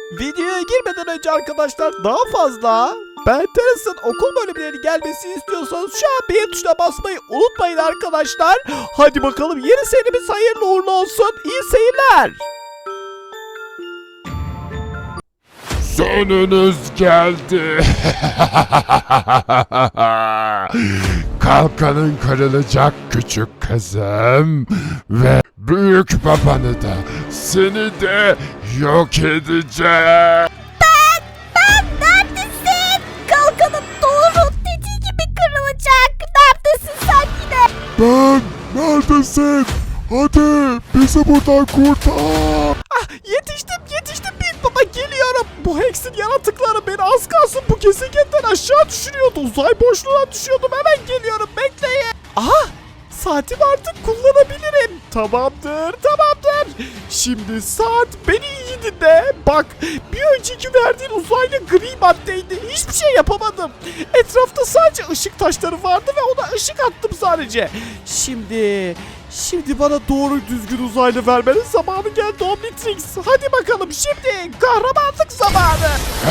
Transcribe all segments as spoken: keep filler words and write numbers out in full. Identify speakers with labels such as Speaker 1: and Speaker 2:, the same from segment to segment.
Speaker 1: Videoya girmeden önce arkadaşlar daha fazla Ben Teras'ın okul bölümleri gelmesini istiyorsanız şu an beğen tuşuna basmayı unutmayın arkadaşlar. Hadi bakalım yeni serimiz hayırlı uğurlu olsun. İyi seyirler.
Speaker 2: Sonunuz geldi. Kalkanın kırılacak küçük kızım. Ve büyük babanı da seni de yok edeceğim.
Speaker 3: Ben, ben neredesin? Kalkanım doğru dediği gibi kırılacak. Neredesin sen yine?
Speaker 2: Ben neredesin? Hadi bizi buradan kurtar.
Speaker 1: Ah, yetiştim yetiştim büyük baba, geliyorum. Bu Hex'in yaratıkları beni az kalsın bu gezegenden aşağı düşürüyordu. Uzay boşluğuna düşüyordum, hemen geliyorum, bekleyin. Aha, saatim artık kullanabilirim. Tamamdır tamamdır. Şimdi saat, beni iyi dinle. Bak, bir önceki verdiğin uzaylı gri maddeydi. Hiçbir şey yapamadım. Etrafta sadece ışık taşları vardı ve ona ışık attım sadece. Şimdi... Şimdi bana doğru düzgün uzaylı vermenin zamanı geldi Omnitrix. Hadi bakalım şimdi kahramanlık zamanı.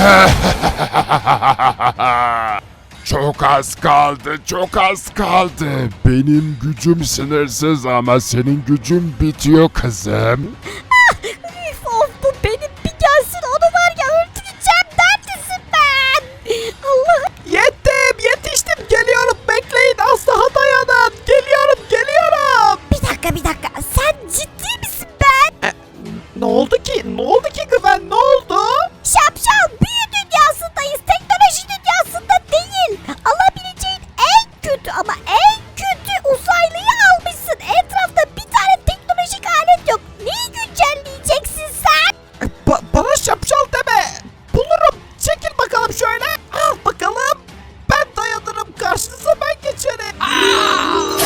Speaker 2: Çok az kaldı, çok az kaldı. Benim gücüm sınırsız ama senin gücün bitiyor kızım.
Speaker 3: Üf, of, bu benim bir gelsin onu var ya öldüreceğim. Neredesin ben? Allah'ım.
Speaker 1: Yettim, yetiştim, geliyorum, bekleyin, az daha dayanın. Geliyorum, geliyorum.
Speaker 3: Bir dakika bir dakika. Sen ciddi misin ben?
Speaker 1: Ne oldu ki? Ne oldu ki Güven? Ne oldu?
Speaker 3: Şapşal, büyü dünyasındayız. Teknoloji dünyasında değil. Alabileceğin en kötü ama en kötü uzaylıyı almışsın. Etrafta bir tane teknolojik alet yok. Neyi güncelleyeceksin sen?
Speaker 1: Ba- bana şapşal deme. Bulurum. Çekil bakalım şöyle. Al bakalım. Ben dayanırım. Karşınıza ben geçerim. Aa!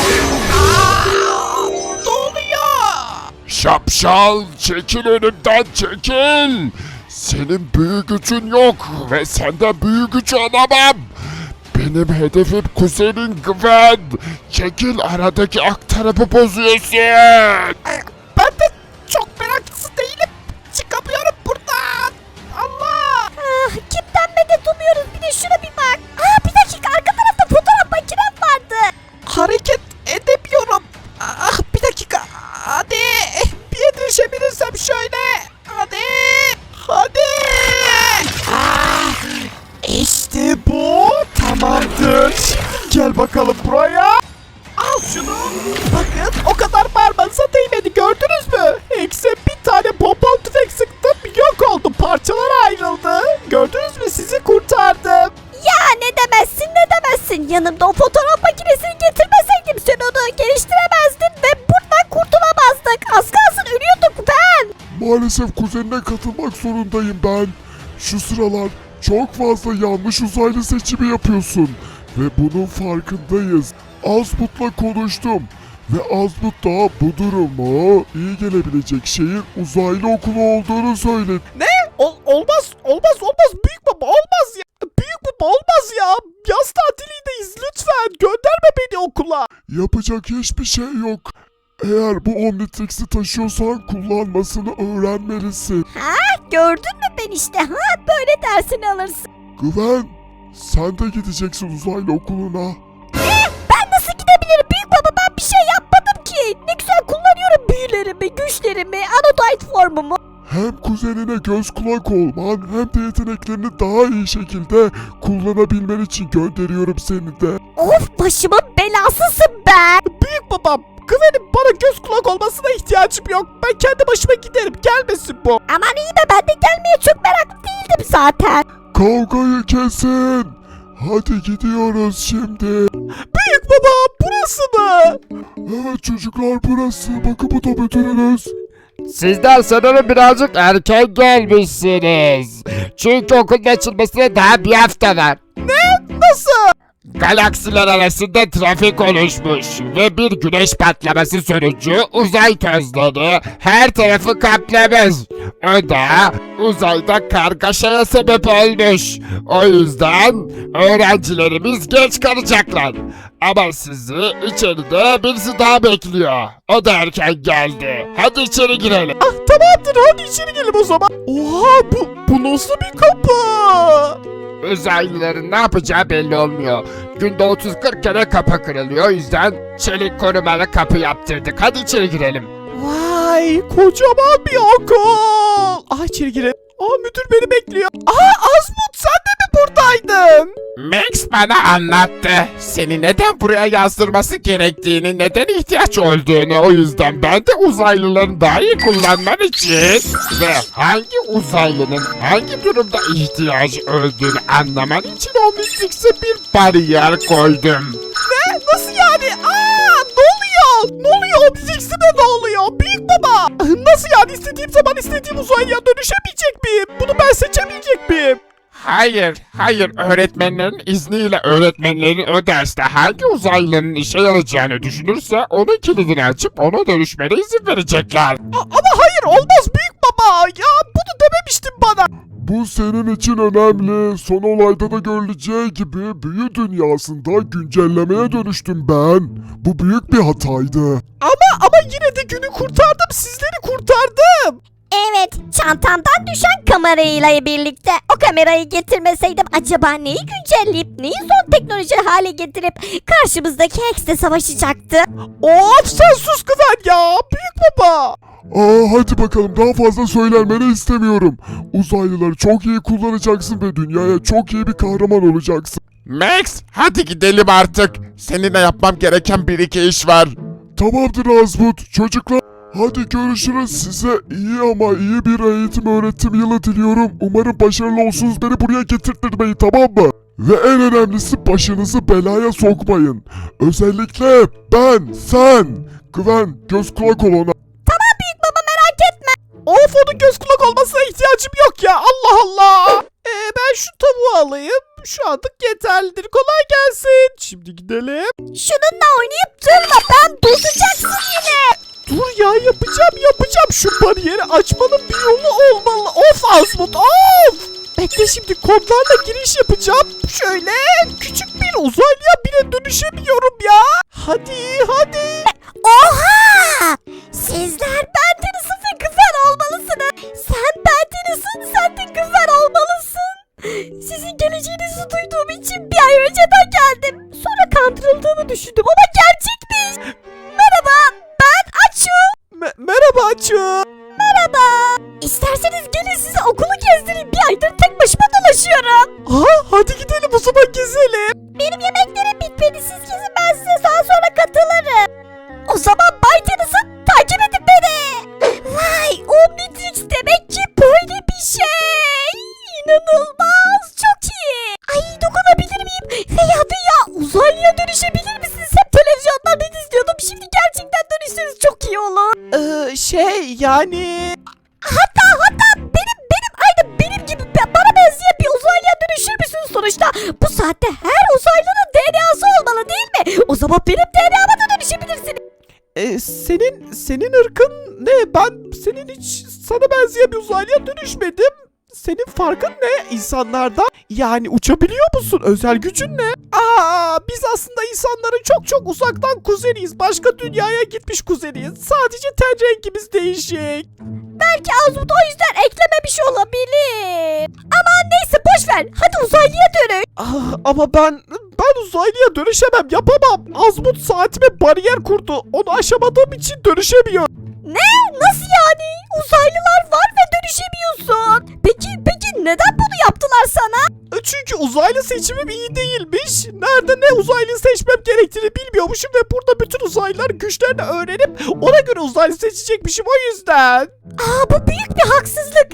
Speaker 1: Aa! Ne oluyor?
Speaker 2: Şapşal, çekil önümden, çekil. Senin büyü gücün yok ve senden büyü gücü alamam. Benim hedefim kuzenin Gwen. Çekil, aradaki aktarımı bozuyorsun.
Speaker 1: Ben de çok meraklısı değilim. Çıkamıyorum buradan. Allah.
Speaker 3: Ah, kimden medet umuyoruz? Bir de şuna bir bak. Aa, bir dakika, arka tarafta fotoğraf makinem vardı.
Speaker 1: Hareket edemiyorum. Ah, bir dakika. Hadi. Bir yetişebilirsem şöyle. Hadi. Hadi. Ah, işte bu. Tamamdır. Şimdi gel bakalım buraya. Al şunu. Bakın, o kadar parmağınıza değmedi, gördünüz mü? Hex'e bir tane pompon tüfek sıktım, yok oldu, parçalara ayrıldı. Gördünüz mü, sizi kurtardım.
Speaker 3: Ya ne demezsin ne demezsin. Yanımda o fotoğraf makinesini getirmeseydim sen onu geliştiremezdin ve buradan kurtulamazdık. Az kalsın ölüyorduk ben.
Speaker 2: Maalesef kuzenine katılmak zorundayım ben. Şu sıralar çok fazla yanlış uzaylı seçimi yapıyorsun. Ve bunun farkındayız. Azmut'la konuştum. Ve Azmut da bu durumu iyi gelebilecek şeyin uzaylı okulu olduğunu söyledi.
Speaker 1: Ne? Ol- olmaz, olmaz, olmaz. Büyük baba, olmaz ya. Büyük baba, olmaz ya. Yaz tatilindeyiz, lütfen. Gönderme beni okula.
Speaker 2: Yapacak hiçbir şey yok. Eğer bu Omnitrix'i taşıyorsan kullanmasını öğrenmelisin.
Speaker 3: Ha, gördün mü ben işte. Ha, böyle dersini alırsın.
Speaker 2: Güven, sen de gideceksin uzaylı okuluna.
Speaker 3: Ben nasıl gidebilirim büyük baba, ben bir şey yapmadım ki. Ne güzel kullanıyorum büyülerimi, güçlerimi, anodite formumu.
Speaker 2: Hem kuzenine göz kulak olman hem de yeteneklerini daha iyi şekilde kullanabilmen için gönderiyorum seni de.
Speaker 3: Of, başımın belasısın ben.
Speaker 1: Büyük babam, Güven'in bana göz kulak olmasına ihtiyacım yok. Ben kendi başıma giderim, gelmesin bu.
Speaker 3: Aman iyi be, ben de gelmeye çok meraklı değildim zaten.
Speaker 2: Kavgayı kesin. Hadi gidiyoruz şimdi.
Speaker 1: Büyük baba, burası mı?
Speaker 2: Evet çocuklar, burası. Bakın bu da müdürünüz.
Speaker 4: Sizler sanırım birazcık erken gelmişsiniz. Çünkü okulun açılmasına daha bir hafta var.
Speaker 1: Nasıl?
Speaker 4: Galaksiler arasında trafik oluşmuş ve bir güneş patlaması sonucu uzay tozları her tarafı kaplamış. O da uzayda kargaşaya sebep olmuş. O yüzden öğrencilerimiz geç kalacaklar. Ama sizi içeride birisi daha bekliyor. O da erken geldi. Hadi içeri girelim.
Speaker 1: Ah, tamamdır hadi içeri gelin o zaman. Oha bu, bu nasıl bir kapı?
Speaker 4: Uzaylıların ne yapacağı belli olmuyor. Günde otuz kırk kere kapı kırılıyor. O yüzden çelik korumalı kapı yaptırdık. Hadi içeri girelim.
Speaker 1: Vay kocaman bir okul. Ah içeri girelim. Aa müdür beni bekliyor. Aa Azmut sen de mi buradaydın?
Speaker 4: Max bana anlattı. Seni neden buraya yazdırması gerektiğini, neden ihtiyaç olduğunu. O yüzden ben de uzaylıların daha iyi kullanman için ve hangi uzaylının hangi durumda ihtiyacı olduğunu anlaman için Omnitrix'e bir bariyer koydum.
Speaker 1: Ne? Nasıl yani? Aa ne oluyor? Ne oluyor? Omnitrix'ime ne oluyor? Büyük baba. Nasıl yani istediğim zaman istediğim uzaylıya dönüşemeyecek miyim? Bunu ben seçemeyecek miyim?
Speaker 4: Hayır, hayır. Öğretmenlerin izniyle öğretmenlerin o derste hangi uzaylının işe yarayacağını düşünürse onun kilidini açıp ona dönüşmene izin verecekler.
Speaker 1: A- ama hayır olmaz büyük baba. Ya bunu dememiştin bana.
Speaker 2: Bu senin için önemli. Son olayda da görüleceği gibi büyü dünyasında güncellemeye dönüştüm ben. Bu büyük bir hataydı.
Speaker 1: Ama ama yine de günü kurtardım. Sizleri kurtardım.
Speaker 3: Evet, çantamdan düşen kamerayla birlikte o kamerayı getirmeseydim acaba neyi güncelleyip neyi son teknoloji hale getirip karşımızdaki Hex'le savaşacaktı?
Speaker 1: Of sen sus Güven ya. Büyük baba.
Speaker 2: Aa hadi bakalım daha fazla söylenmeni istemiyorum. Uzaylıları çok iyi kullanacaksın ve dünyaya çok iyi bir kahraman olacaksın.
Speaker 4: Max, hadi gidelim artık. Seninle yapmam gereken bir iki iş var.
Speaker 2: Tamamdır Azmut. Çocuklar hadi görüşürüz. Size iyi ama iyi bir eğitim öğretim yılı diliyorum. Umarım başarılı olsunuz. Beni buraya getirtmeyin tamam mı? Ve en önemlisi başınızı belaya sokmayın. Özellikle ben, sen. Güven, göz kulak ol ona.
Speaker 3: Baba merak etme.
Speaker 1: Of onun göz kulak olmasına ihtiyacım yok ya. Allah Allah. Ee, ben şu tavuğu alayım. Şu anlık yeterlidir. Kolay gelsin. Şimdi gidelim.
Speaker 3: Şununla oynayıp durma, ben bozacaksın yine.
Speaker 1: Dur ya yapacağım yapacağım. Şu bariyeri açmanın bir yolu olmalı. Of Azmut of. Bekle şimdi kodlarla giriş yapacağım. Şöyle küçük bir uzaylıya bile dönüşemiyorum ya. Hadi hadi.
Speaker 3: Oha! Sizler Bendenis'in ve Güven olmalısınız. Sen Bendenis'in, sen de Güven olmalısın. Sizin geleceğinizi duyduğum için bir ay önceden geldim. Sonra kandırıldığımı düşündüm ama gerçekmiş. Merhaba, ben Açu.
Speaker 1: Me- merhaba Açı.
Speaker 3: Merhaba. İsterseniz gelin size okulu gezdireyim. Bir aydır tek başıma dolaşıyorum.
Speaker 1: Aha, hadi gidelim o zaman gezelim.
Speaker 3: Benim yemeklerim bitmedi. Siz gezin, ben size daha sonra katılırım. O zaman Bay Tennyson takip edin beni. Vay, Omnitrix demek ki böyle bir şey. İnanılmaz, çok iyi. Ay dokunabilir miyim? Veya veya uzaylıya dönüşebilir misiniz? Hep televizyonlardan izliyordum. Şimdi gerçekten dönüşseniz çok iyi olur.
Speaker 1: Ee, şey yani...
Speaker 3: Hatta hatta benim benim aynı benim gibi be- bana benzeyen bir uzaylıya dönüşür müsünüz sonuçta? Bu saatte her uzaylının D N A'sı olmalı değil mi? O zaman benim D N A'ma da dönüşebilirsiniz.
Speaker 1: Ee, senin senin ırkın ne? Ben senin hiç sana benzeyen bir uzaylıya dönüşmedim. Senin farkın ne insanlardan? Yani uçabiliyor musun? Özel gücün ne? Aa, biz aslında insanların çok çok uzaktan kuzeniyiz. Başka dünyaya gitmiş kuzeniyiz. Sadece ten rengimiz değişik.
Speaker 3: Belki Azmut o yüzden eklememiş olabilir. Aman neyse boş ver. Hadi uzaylıya dönün.
Speaker 1: Ah, ama ben ben uzaylıya dönüşemem, yapamam. Azmut saatime bariyer kurdu. Onu aşamadığım için dönüşemiyorum.
Speaker 3: Ne? Nasıl yani? Uzaylılar var ve dönüşemiyorsun. Peki peki neden bunu yaptılar sana?
Speaker 1: E, Çünkü uzaylı seçimim iyi değilmiş. Nerede ne uzaylı seçmem gerektiğini bilmiyormuşum ve burada bütün uzaylılar güçlerini öğrenip ona göre uzaylı seçecekmişim o yüzden.
Speaker 3: Aa bu büyük bir haksızlık.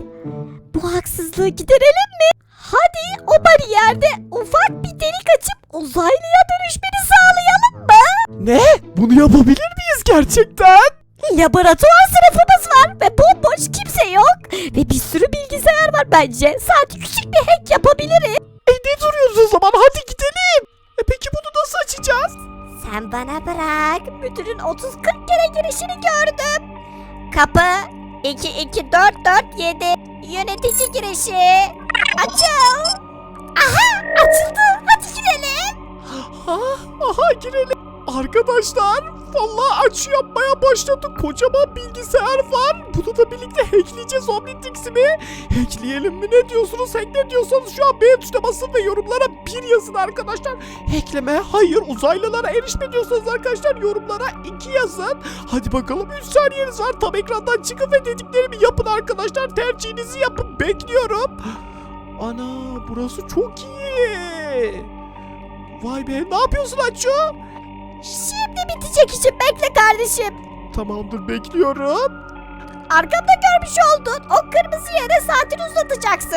Speaker 3: Bu haksızlığı giderelim mi? Hadi o bariyerde ufak bir delik açıp uzaylıya dönüşmeni sağlayalım mı?
Speaker 1: Ne? Bunu yapabilir miyiz gerçekten?
Speaker 3: Laboratuvar sınıfımız var ve bomboş kimse yok. Ve bir sürü bilgisayar var bence. Sadece küçük bir hack yapabiliriz.
Speaker 1: E ne duruyoruz o zaman? Hadi gidelim. E peki bunu nasıl açacağız?
Speaker 3: Sen bana bırak. Müdürün otuz kırk kere girişini gördüm. Kapı iki iki dört dört yedi. Yönetici girişi. Açıl. Aha açıldı. Hadi girelim.
Speaker 1: Ha, aha girelim. Arkadaşlar Vallahi açı yapmaya başladık. Kocaman bilgisayar var. Bunu da birlikte hackleyeceğiz Omnitrix'i mi? Hackleyelim mi? Ne diyorsunuz? Hack ne diyorsanız şu an beğen tuşuna basın ve yorumlara bir yazın arkadaşlar. Hackleme hayır, uzaylılara erişme diyorsanız arkadaşlar yorumlara iki yazın. Hadi bakalım, üç saniyeniz var. Tam ekrandan çıkın ve dediklerimi yapın arkadaşlar. Tercihinizi yapın. Bekliyorum. Ana, burası çok iyi. Vay be, ne yapıyorsun Açu?
Speaker 3: Şimdi bitecek işim, bekle kardeşim.
Speaker 1: Tamamdır, bekliyorum.
Speaker 3: Arkamda görmüş oldun. O kırmızı yere saatini uzatacaksın.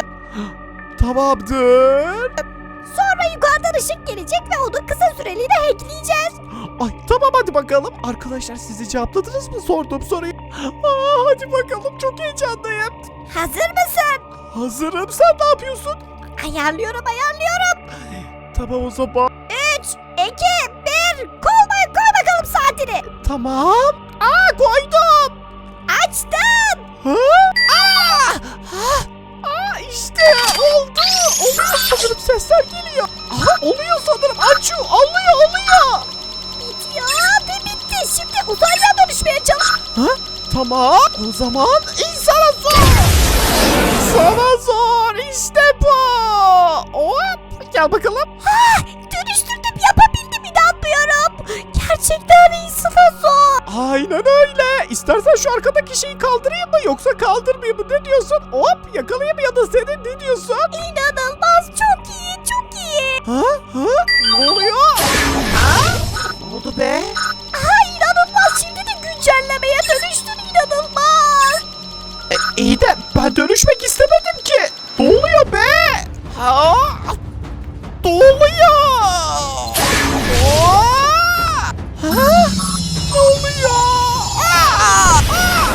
Speaker 1: Tamamdır.
Speaker 3: Sonra yukarıdan ışık gelecek ve onu kısa süreliğine hackleyeceğiz.
Speaker 1: Ay tamam, hadi bakalım. Arkadaşlar siz de cevapladınız mı sorduğum soruyu? Aa, hadi bakalım, çok heyecanlıyım.
Speaker 3: Hazır mısın?
Speaker 1: Hazırım, sen ne yapıyorsun?
Speaker 3: Ayarlıyorum ayarlıyorum.
Speaker 1: Tamam o zaman.
Speaker 3: üç, iki, bir. Koy, koy bakalım saatini.
Speaker 1: Tamam. Aa, koydum.
Speaker 3: Açtım.
Speaker 1: Ha? Aa! Ha? Aa, işte oldu. Oluyor sanırım, sesler geliyor. Aha, oluyor sanırım. Açu, oluyor oluyor.
Speaker 3: Bitiyor ve bitti. Şimdi uzaylıya dönüşmeye çalış.
Speaker 1: Ha? Tamam. O zaman insana zor. Sana zor. İşte bu. Hop. Gel bakalım.
Speaker 3: Ah, dönüştürdüm, yapabildim, inanmıyorum. Gerçekten insana zor.
Speaker 1: Aynen öyle. İstersen şu arkadaki şeyi kaldırayım mı yoksa kaldırmayayım mı? Ne diyorsun? Hop, yakalayayım ya da seni, ne diyorsun?
Speaker 3: İnanılmaz, çok iyi, çok iyi.
Speaker 1: Ha? Ha? Ne oluyor? Ha? Ne oldu be?
Speaker 3: Aha, inanılmaz, şimdi de güncellemeye dönüştün, inanılmaz.
Speaker 1: E, iyi de ben dönüşmek istemedim ki. Ne oluyor be? Ha? Ne oluyor? Aa! Ha? Ne oluyor? Aa! Aa!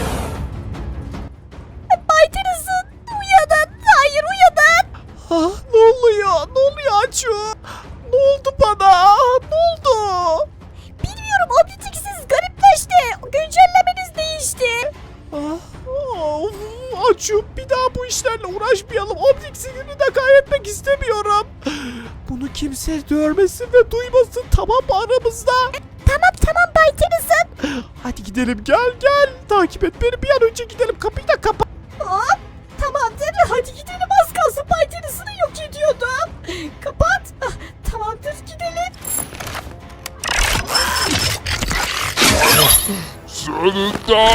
Speaker 3: Bay Tennyson, uyanın, hayır uyanın.
Speaker 1: Ha? Ne oluyor? Ne oluyor Açu? Ne oldu bana? Ne oldu?
Speaker 3: Bilmiyorum, Omnitrix'iniz garipleşti, güncellemeniz değişti.
Speaker 1: Ah, of, Açu, bir daha bu işlerle uğraşmayalım. Omnitrix'ini de kaybetmek istemiyorum. Bunu kimse görmesin ve duymasın, tamam mı, aramızda?
Speaker 3: Tamam tamam Bay Tennyson.
Speaker 1: Hadi gidelim, gel gel. Takip et beni, bir an önce gidelim. Kapıyı da kapat.
Speaker 3: Hop, tamamdır, hadi gidelim, az kalsın Bay Tennyson'ı yok ediyordum. Kapat. Ah, tamamdır, gidelim.
Speaker 2: Sonunda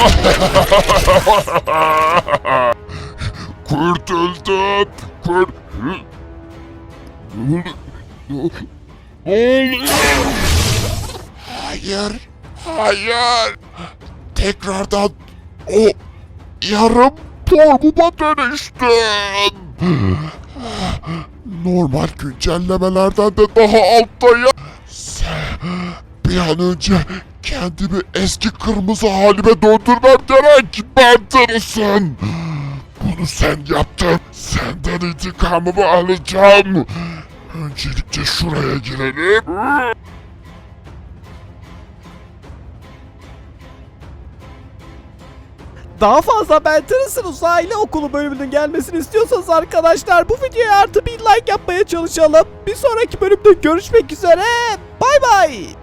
Speaker 2: kurtuldum. Kur... Ne oluyor? Hayır, hayır. Tekrardan o yarım formuma dönüştüm. Normal güncellemelerden de daha alttayım. Sen bir an önce kendimi eski kırmızı halime döndürmem gerek. Ben tanısın. Bunu sen yaptın. Senden intikamımı alacağım. Öncelikle şuraya girelim.
Speaker 1: Daha fazla Ben Tennyson Uzaylı Okulu bölümünün gelmesini istiyorsanız arkadaşlar bu videoya artı bir like yapmaya çalışalım. Bir sonraki bölümde görüşmek üzere. Bay bay.